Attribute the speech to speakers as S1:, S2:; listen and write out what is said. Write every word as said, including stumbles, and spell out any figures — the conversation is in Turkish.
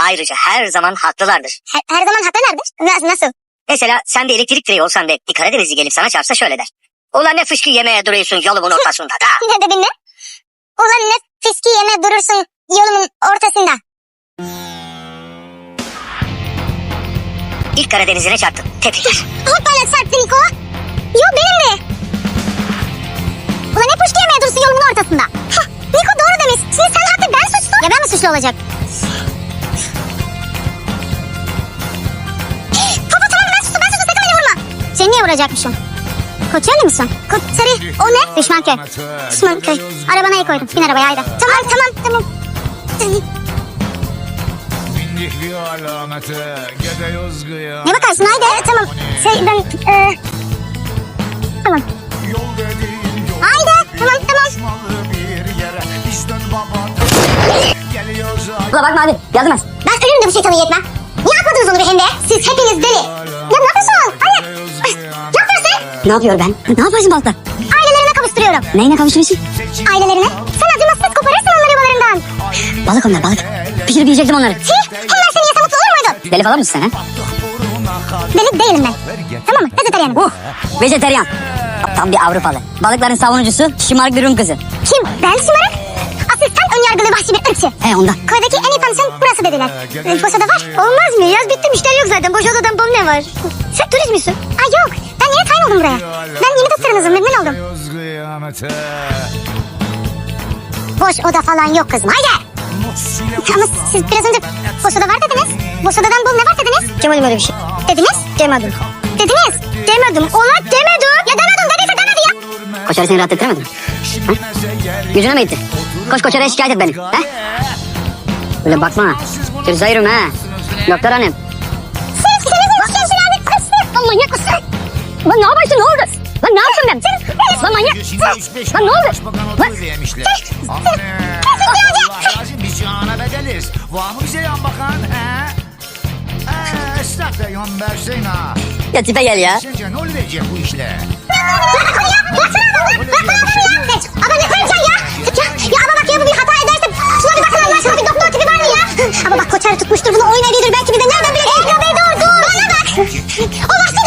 S1: Ayrıca her zaman haklılardır.
S2: Her, her zaman haklılardır. Nasıl? Nasıl?
S1: Mesela sen bir elektrik direği olsan ve bir Karadenizli gelip sana çarpsa şöyle der. Ulan ne fışkı yemeye duruyorsun yolumun ortasında da.
S2: Ne dedin ne? Ulan ne fiski yeme durursun yolumun ortasında.
S1: İlk Karadenizli'ne çarptım. Tebrikler.
S2: Hoppala çarptı Niko. Yo benim de. Ulan ne fışki yemeye durursun yolumun ortasında. Hah, Niko doğru demiş. Şimdi sen haklı ben suçlu. Ya ben mi suçlu olacak? Baba tamam ben suçlu ben suçlu sakın beni vurma. Seni niye vuracakmışım? Koçerli misin? Koçeri o ne? Düşmanköy. Düşmanköy. Arabana el koydum. Bin arabaya haydi. Tamam tamam tamam. Ne bakarsın haydi. Tamam. Şey ben... E... Tamam. Haydi. Tamam tamam.
S1: Ula bakma abi yazmaz.
S2: Ben ölürüm de bu şeytanı yetmem. Niye atmadınız onu bir hem de? Siz hepiniz deli. Ya ne yapıyorsun? Hayır. Ne yapıyorsun?
S1: Ne yapıyor ben? Ne yapıyorsun balıkla?
S2: Ailelerine kavuşturuyorum.
S1: Neyine kavuşturuyorsun?
S2: Ailelerine? Sen acımasız koparırsın onları yuvalarından.
S1: Balık onlar balık. Pişirip yiyecektim onları.
S2: Tih! Onlar seni yese mutlu olur muydun?
S1: Deli falan mısın sen ha?
S2: Deli değilim ben. Tamam mı? Vejetaryenim.
S1: Uh, vejeteryan. Tam bir Avrupalı. Balıkların savunucusu şımarık bir Rum kızı.
S2: Kim? Ben şımarık? Asıl sen önyargılı vahşi bir ırkçı.
S1: He ondan.
S2: Koydaki en iyi pansiyon burası dediler. E, boş oda var. Olmaz mı? Yaz bitti müşteri yok zaten. Boş odadan bom ne var? Sen turist misin? Ay yok. Ben yeni tayin oldum buraya. Ben yeni doktorunuzum. Memnun oldum. Boş oda falan yok kızım. Haydi. Ama siz biraz önce boş oda var dediniz. Boş odadan bom ne var dediniz?
S1: Demedim öyle bir şey.
S2: Dediniz?
S1: Demedim.
S2: Dediniz? Demedim. Ola demedim. Ya demedim dediyse demedi ya.
S1: Koçarı seni rahat ettiremedin mi? Ha? Gücüne mi gitti? Koş koçarıya şikayet et beni. Ha? Öyle bakma. Türzayırım ha. Doktor hanım.
S2: Siz ikiniz işkemcilerdi kızsın. Lan manyak mısın?
S1: Lan ne yapıyorsun ne oldu? Lan ne yaptın ben? Lan manyak. Lan ne oldu? Lan.
S3: Biz cihana bedeliz. Var mı bize yan bakan he? Eee esnaf da yan versin ha.
S1: Ya tipe gel ya.
S3: Sence ne olacak bu işle?
S2: Ama ne koyacaksın ya? Ya, ya ama bak ya bu bir hata ederse şuna bir bakın Allah aşkına bir doktor tipi var mı ya? Ama bak koçarı tutmuştur bunu oynayabilir belki bir de nereden bilecek? Ego be dur dur. Bana bak. O başta